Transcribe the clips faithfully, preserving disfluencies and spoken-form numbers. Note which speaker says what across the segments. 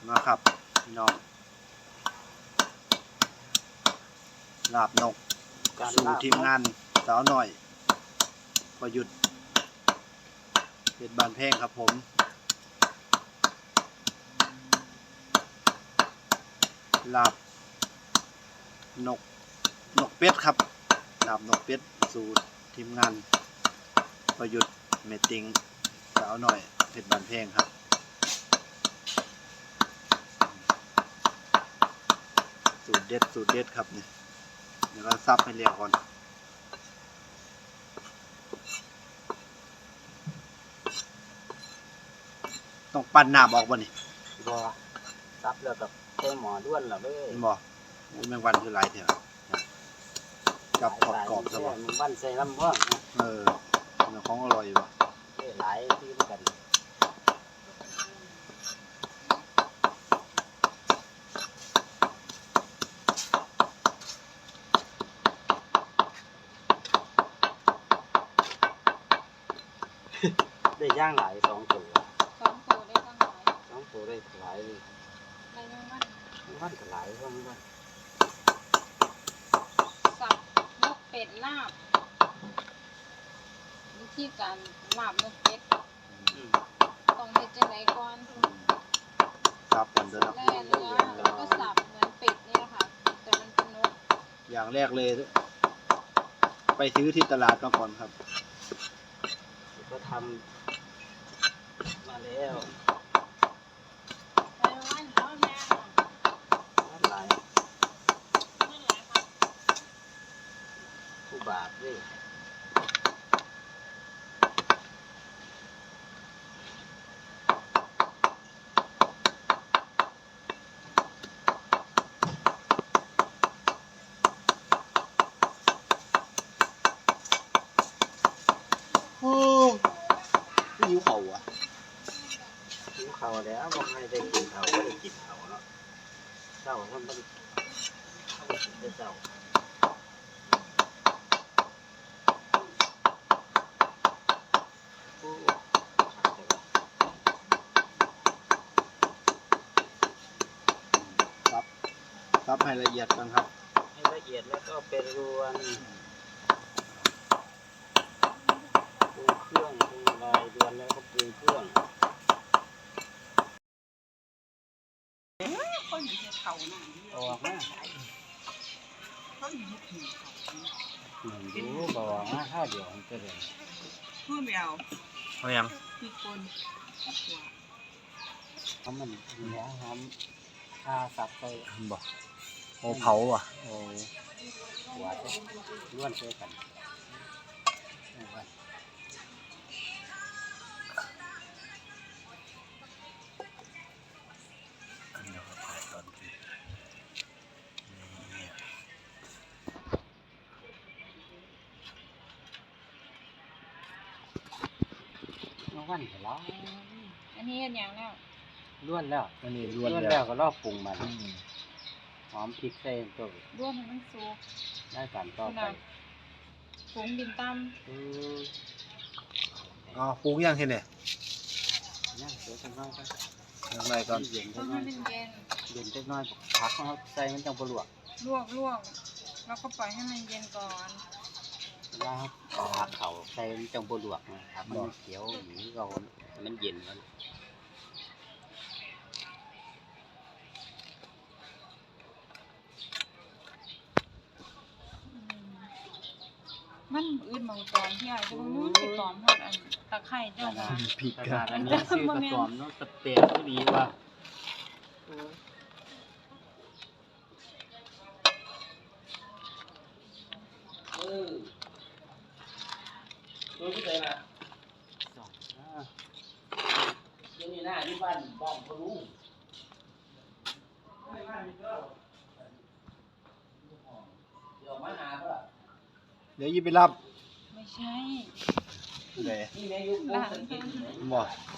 Speaker 1: นะครับพี่น้องลาบนกสู่ทีมงานสาวหน่อยประยุทธ์เพชรบานแพงครับผมลาบนกนกเป็ดครับลาบนกเป็ดสู่ทีมงานประยุทธ์เมตติงสาวหน่อยเพชรบานแพงครับสูตรเด็ดสูตรเด็ดครับนี่เดี๋ยวเราซับให้เรียกก่อนต้องปั่นน้ำออกบ่นี่
Speaker 2: บ่ซับแล้วกับเทหมอด้วนแล้วเด้อ
Speaker 1: บ่แมงวันคือหลายแถวจับกรอบกรอบซะบ่
Speaker 2: แมงวันใส่ลำบ่
Speaker 1: เออเนื้อของอร่อยบ่
Speaker 2: หลายที่กันได้ย่างหลายสองตัว
Speaker 3: สองตัวได้ตั้งหลาย
Speaker 2: สองตัวได้หลายเลย
Speaker 3: ได้แมงวัน
Speaker 2: แมงวันก็หลายเท่านั้นว่า
Speaker 3: สับนกเป็ดลาบวิธีการลาบนกเป็ดต้องเฮ็ดจังไดก่อน
Speaker 1: สับกันเด้อนะ
Speaker 3: แล่เนื้อแล้วก็สับเหมือนเป็ดนี่แหละค่ะแต่มันเป็นนก
Speaker 1: อย่างแรกเลยไปซื้อที่ตลาดก่อนครับ
Speaker 2: ก็ทำมาแล้ว
Speaker 3: ไปวันแล้วแม่
Speaker 2: หลาย
Speaker 3: ไม่หลายค่ะ
Speaker 2: ผู้บาปด้วย
Speaker 1: หิวเข่าอ่ะ
Speaker 2: หิวเข่าแล้วบอกให้ได้กินเข่าก็ได้กินเข่าเนาะเจ้ามันต้องได้เจ้า
Speaker 1: ครับซับให้ละเอียดกันครับ
Speaker 2: ให้ละเอียดแล้วก็เป็นรวนปรุงเครื่องปรุงอะไรรวนแล้วก็ปรุงเครื่อง
Speaker 3: คนอยู่ที่เขาน่ะ
Speaker 2: ออกมา
Speaker 3: คนอยู่ที่เขา
Speaker 2: หนึ่งรู้บอกว่าข้าวเดียวมันจะเลย
Speaker 3: พูดไม่เอา
Speaker 1: เอายัง
Speaker 3: มีคน
Speaker 2: เพราะมันมีหอมหอมชาสับไป
Speaker 1: บ่โอ้เผาอ่ะ
Speaker 2: โอ้หัวจะล้วนเจอกันวันแล้ว
Speaker 3: อันนี้อย่างแล้ว
Speaker 2: ล้วนแล้ว
Speaker 1: อันนี้ล้วน
Speaker 2: แล้วก็รอบปรุงมาหอมพริกใส่ตัว
Speaker 3: ล้วนให้มันสุก
Speaker 2: ได้การต่อไป
Speaker 3: ปรุงดินตำ
Speaker 1: อ๋อปรุงยังทีเนี่ย
Speaker 2: ย่างเดี๋ยวจะน้อยก็
Speaker 1: ยังไงก่อน
Speaker 2: เย็น
Speaker 3: ต้องให้มันเย็น
Speaker 2: เย็นเล็กน้อยผักเขาใส่มันจังปลวก
Speaker 3: ลวกลวกแล้วก็ปล่อยให้มันเย็นก่อน
Speaker 2: แล้วผักเขาใส่มันจังปลวกนะครับมันเขียวหนีเรามันเย็นมัน
Speaker 3: มันอื่นบางตอนที่ไอ้จะบางนู้นไปตอมหมดอันตะไคร้เจ้าค่ะ
Speaker 1: พริก
Speaker 2: กอันนี้ชื่อกระตอมเนาะสเปรย์ก็ดีว่าเออตัวที่ไหนมาสองตัวนี้หน้าที่บ้านบ้องเขารู้เดี๋ยวมาหาเพื่อ
Speaker 1: เดี๋ยวยี่ไปรับ
Speaker 3: ไม่ใช่
Speaker 1: เดี๋ยว
Speaker 3: หลาน
Speaker 1: บ่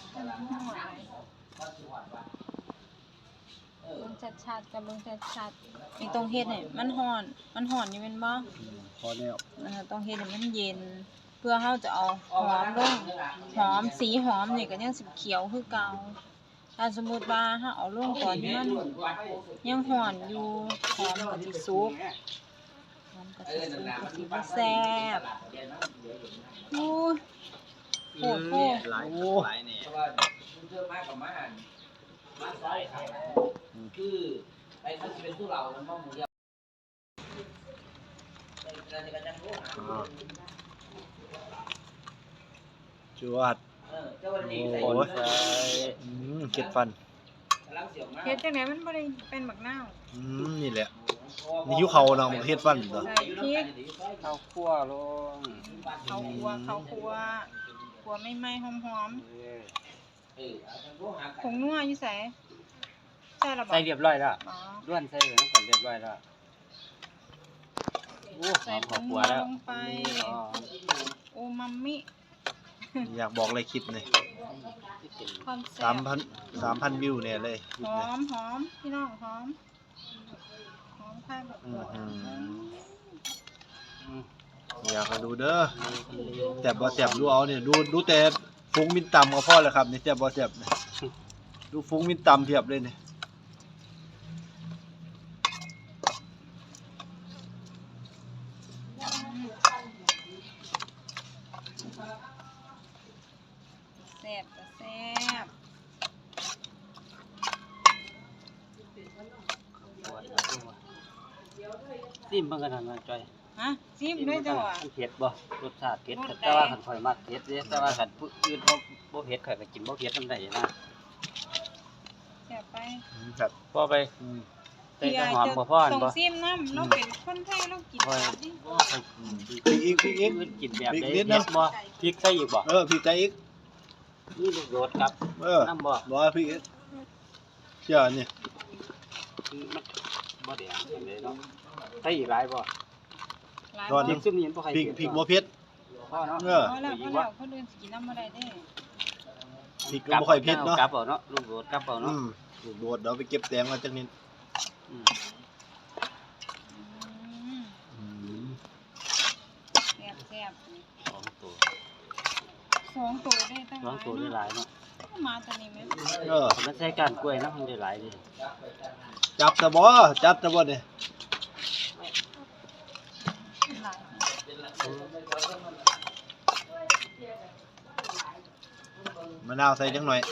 Speaker 3: เบิ่งชัดๆกับเบิ่งชัดๆไอ้ตรงเฮ็ดเนี่ยมันห่อนมันห่อนอยู่แม่นบ่
Speaker 1: พอแล้ว
Speaker 3: นะคะต้องเฮ็ดให้มันเย็นเพื่อเฮาจะเอาหอมลงหอมสีหอมนี่ก็ยังสิเขียวคือเก่าถ้าสมมุติว่าเฮาเอาลงก่อนที่มันยังร้อนอยู่หอมก็สิสุกหอมก็สิสุกก็สิบ่แซ่บโอ้ยโหดโหด
Speaker 2: หลายหลายเนี่ย
Speaker 4: คือไอ้ท่านจะเป็นผู้เรามันต้องมือเดียว
Speaker 1: อ่าจวด
Speaker 4: เออเจ้าวันนี้
Speaker 1: โอ้
Speaker 4: ใส่
Speaker 1: ยอืมเก็ดฟัน
Speaker 4: ล้างเสียงมาก
Speaker 3: เฮ็ดจังได๋มันบ่ได้เป็นบักนาว
Speaker 1: อืมนี่แหละนี่หิวเขาเนาะเฮ็ดฟันตัว
Speaker 3: ใส่พริก
Speaker 2: ข้าวคั่วลง
Speaker 3: ข้าวคั่วข้าวคั่วคั่วไม่ไหม้หอม
Speaker 2: เออ
Speaker 4: เออ
Speaker 3: ๆผงนัวอยู่ไสใส่แล้วบ่
Speaker 2: ใส่เรียบร้อยแล้ว
Speaker 3: อ๋อ
Speaker 2: ล้วนใส่ไปทั้งก่อนเรียบร้อยแล้วโอ้ห
Speaker 3: ใส่
Speaker 2: อม
Speaker 3: ผ
Speaker 2: ข้าว
Speaker 3: ง
Speaker 2: คั่
Speaker 3: นั
Speaker 2: ว
Speaker 3: ว
Speaker 2: แล้ว
Speaker 3: ลงไป
Speaker 2: อ๋อ
Speaker 3: โอมามิ
Speaker 1: อยากบอกเลยคลิปนี่
Speaker 2: ที่เป็น
Speaker 3: ความแซ่
Speaker 1: สาม
Speaker 3: บ
Speaker 1: พันสามพันวิวเนี่ยเลยคลิ
Speaker 3: ห
Speaker 1: ป
Speaker 3: อ
Speaker 1: นี่
Speaker 3: มหอมพี่น้องหอมหอมข้าวแบบ
Speaker 1: อื
Speaker 3: หัว
Speaker 1: ม
Speaker 2: อืม
Speaker 1: อยากให้ดูเด้อแต่บ่แซ่บดูเอาเนี่ยดูดูแต่ฟุ้งมินต่ำก็พอแล้วครับนี่แซ่บบ่แซ่บนี่ดูฟุ้งมินต่ำเทียบเลยนี่
Speaker 3: แซ่บก็แซ่บ
Speaker 2: ซิมเบิ่งกันหน่อยจ้อย
Speaker 3: ฮะซิมด้วยจ้ะว่ะ
Speaker 2: มันเผ็ดบ่รสชาติเผ็ด
Speaker 3: รสใด
Speaker 2: แต่ว่าคันข่อยมักเผ็ดเด้แต่ว่าคันผู้อื่นบ่บ่เผ็ดข่อยก็กินบ่เผ็ดนำได้นะ
Speaker 3: แซ่บไป
Speaker 1: อืมครับ
Speaker 2: พอไป
Speaker 1: อืม
Speaker 2: ใส่น้ำหอมบ่พออัน
Speaker 3: ส่ง
Speaker 2: บ่
Speaker 3: ซิมน้ำเราเป็นคนไทยเรากิน
Speaker 2: ข่อย
Speaker 3: แบบนี้
Speaker 1: อืมพริกอีกพริกอีก
Speaker 2: อื่นกินแบบใด
Speaker 1: พริกนิดนะ
Speaker 2: เผ็ดบ่พริกใส่อีกบ่
Speaker 1: เออพริกใจอีก
Speaker 2: นี่ลูกโดดครับ
Speaker 1: เออ
Speaker 2: น้ำบ่
Speaker 1: บ่ว่าพริกอีกเชื่อนี่
Speaker 2: คือมันบ่แดงจังได๋เนาะใส่อีกหลายบ่
Speaker 3: หลาย
Speaker 1: ก่อน
Speaker 2: พริกซุมนี้มันบ่ค่อย
Speaker 1: พริก
Speaker 2: เผ็ด
Speaker 1: พริกบ่เผ็ด
Speaker 2: พอเนาะ
Speaker 1: เออ
Speaker 3: พอแล้วพอแล้วคนอื่นสิกินน้ำบ่ได้เด้
Speaker 1: พริกก็บ่ค่อยเผ็ดเนาะ
Speaker 2: กลับเอาเนาะลูกโดดกลับเอาเนาะ
Speaker 1: อืมลูกโดดเดี๋ยวไปเก็บแตงมาจักนิด
Speaker 2: อืม
Speaker 3: อืม
Speaker 1: อืม
Speaker 3: แซ่บแซ่บ
Speaker 2: สองตัว
Speaker 3: สองตัวได้ตั้ง
Speaker 2: สองตัวได้หลายเนาะ
Speaker 3: มาตัวนี้ไหม
Speaker 1: เออ
Speaker 2: มันใส่ก้านกล้วยนะมันได้หลายดิ
Speaker 1: จับตะบ่จับตะบ่นี่
Speaker 3: หลาย
Speaker 1: มะนาวใส่จังหน่อย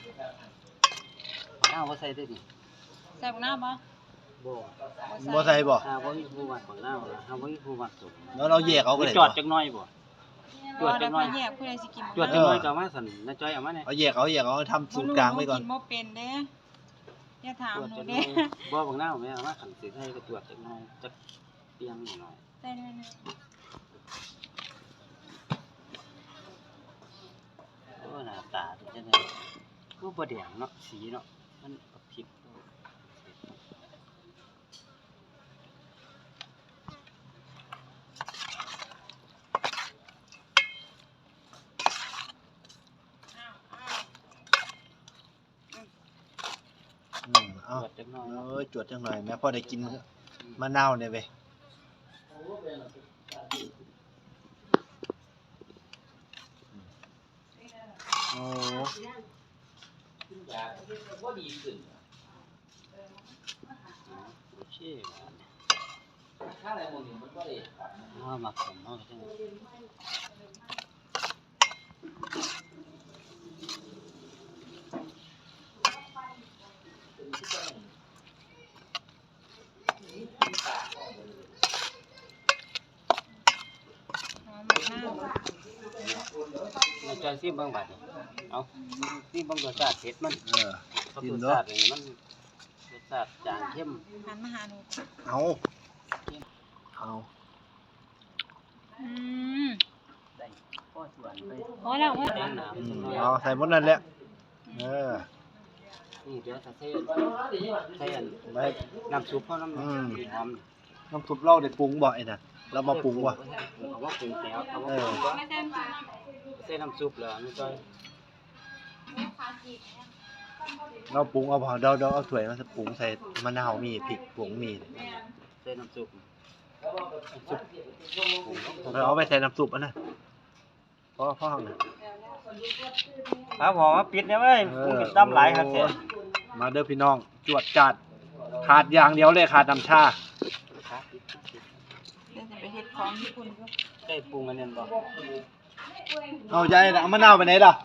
Speaker 2: น้าบ่ใส่ได้ดิ
Speaker 3: ใส่บักหน้าบ่
Speaker 2: บ่
Speaker 1: บ่ใส่บ่
Speaker 2: ถ้าบ่มีผู้มักของน้าบ่ถ้าบ่มีผู้มักสุก
Speaker 1: แล้วเราแยกเอาก็ได้
Speaker 2: จอด
Speaker 1: บ่
Speaker 2: จักหน่อยบ่
Speaker 3: บ่แล้วพอแยกผู้ใดสิกิน
Speaker 2: จวดจักหน่อยก็เอามาสั่นน้าจ้อยเอามาเนี่ย
Speaker 1: เอาแยกเอาแยกเอาทำสูตรกลางไว้ก่อน
Speaker 3: บ่เป็นเด้อย่าถาม
Speaker 2: จวด
Speaker 3: หนู
Speaker 2: จักหน่
Speaker 3: เด้
Speaker 2: อยบ่บักน้าแม่เอามาสั่นสิให้ก็จวดจักหน่อยจักเปียงหน่อย
Speaker 3: ใส่ด้วยนะ
Speaker 2: โอ้หน้าตาเป็นจังได๋ก็บ่แดงเนาะสีเนาะมันผิด
Speaker 1: อืม
Speaker 2: จ
Speaker 1: เอา
Speaker 2: วดจักหน่อย
Speaker 1: เอ
Speaker 2: เนาะ
Speaker 1: อจวดจังหน่อยแม่พอได้กินมะนาวเนี่ยเว้ยโอ้
Speaker 4: ก็ดีขึ้น
Speaker 2: โอเค
Speaker 4: ถ้าอะไรมึงมันก็ได้
Speaker 2: เฮามักผมเฮาจัง
Speaker 3: หอมบักหน้า
Speaker 2: น้าจ้อยซิมเบิ่งบัดนี้เอาซิมเบิ่งรสชาติเผ็ดมัน
Speaker 1: เออ
Speaker 2: รส
Speaker 1: กิน
Speaker 2: ชา
Speaker 1: เนาะ
Speaker 2: ตินี่มันรสชาติจางเข้ม
Speaker 3: หันมาหาหนู
Speaker 1: เอาเอา
Speaker 3: อืม
Speaker 2: ได้พอส่วนไป
Speaker 3: พอแล้วพอ
Speaker 2: แด
Speaker 3: แล้ว
Speaker 2: งหนาม
Speaker 1: อื
Speaker 2: จั
Speaker 1: ม
Speaker 2: งหน่อย
Speaker 1: เอาใส่หมดนั่นแหละเออ
Speaker 2: นี่เดี๋ยวถ้าใส่ใส่อัน
Speaker 1: ไว้
Speaker 2: น้ำซุปเฮาน้ำ
Speaker 1: อืม
Speaker 2: หอม
Speaker 1: น้ำซุปเราได้ปรุงบ่ไอ้น่ะเรามาปรุงบ่
Speaker 2: เอาว่าปรุงแล้วเอาว่า
Speaker 1: เออ
Speaker 2: ปรุงบ่
Speaker 3: ไม่ใช่น้
Speaker 2: ใส่น้ำซุปแล้วนี่จ้อย
Speaker 1: เราปรุงเอาบ่เดี๋ยวเดี๋ยวเอาถ้วยมาปรุงใส่มะนาวมีพริกผงมี
Speaker 2: ใส่น้ำซุปน้ำซุปปรุงแล้ว
Speaker 1: เราเอาไปใส่น้ำซุปอันนั้นพ่อพ่อห้องน่ะ
Speaker 2: ครับผมมาปิดเนี่ยเว้ยมึงกินตั้มหลายครับแท้
Speaker 1: มาเด้อพี่น้องจวดจัดขาดอย่างเดียวเลยขาดน้ำชา
Speaker 3: เดี๋ยวจะไปเฮ็ดของญี่ปุ่นด้วย
Speaker 2: ได้ปรุงอันนั้นบ่
Speaker 1: เอาใจเอามะนาวไปไหนล่ะ